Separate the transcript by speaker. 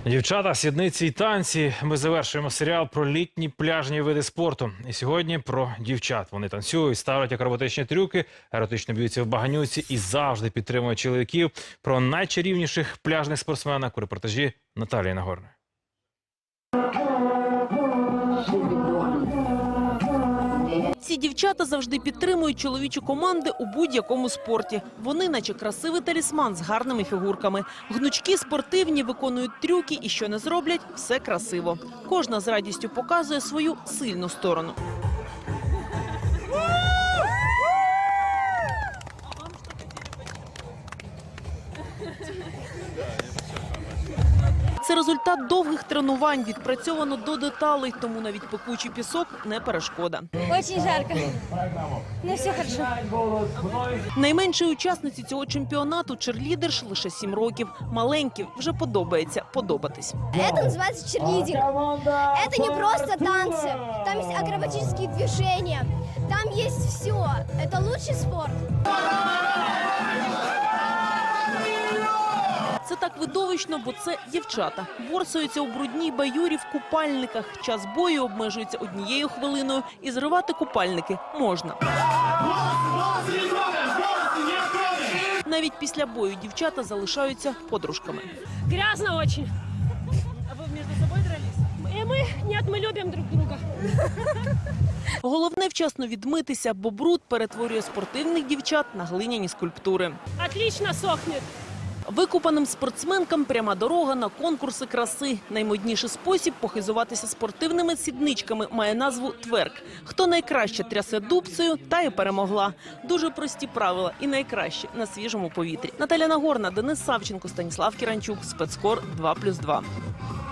Speaker 1: Дівчата, сідниці і танці. Ми завершуємо серіал про літні пляжні види спорту. І сьогодні про дівчат. Вони танцюють, ставлять акробатичні трюки, еротично б'ються в баганюці і завжди підтримують чоловіків. Про найчарівніших пляжних спортсменок у репортажі Наталії Нагорної.
Speaker 2: Ці дівчата завжди підтримують чоловічі команди у будь-якому спорті. Вони наче красивий талісман з гарними фігурками. Гнучкі, спортивні, виконують трюки і що не зроблять – все красиво. Кожна з радістю показує свою сильну сторону. Це результат довгих тренувань, відпрацьовано до деталей, тому навіть пекучий пісок не перешкода.
Speaker 3: Очень жарко, но все хорошо.
Speaker 2: Найменшій учасниці цього чемпіонату черлідерш лише 7 років. Маленьким вже подобається подобатись.
Speaker 3: Это называется черлидинг. Это не просто танцы. Там есть акробатические движения. Там есть все. Это лучший спорт.
Speaker 2: Це так видовищно, бо це дівчата. Борсуються у брудній баюрі в купальниках. Час бою обмежується 1 хвилиною. І зривати купальники можна. Навіть після бою дівчата залишаються подружками.
Speaker 4: Грязно очень. А вы между собой дрались? Нет, мы любим друг друга.
Speaker 2: Головне вчасно відмитися, бо бруд перетворює спортивних дівчат на глиняні скульптури.
Speaker 4: Отлично сохнет.
Speaker 2: Викупаним спортсменкам пряма дорога на конкурси краси. Наймодніший спосіб похизуватися спортивними сідничками має назву тверк. Хто найкраще трясе дубцею, та й перемогла. Дуже прості правила і найкраще на свіжому повітрі. Наталя Нагорна, Денис Савченко, Станіслав Кіранчук, Спецкор 2+2.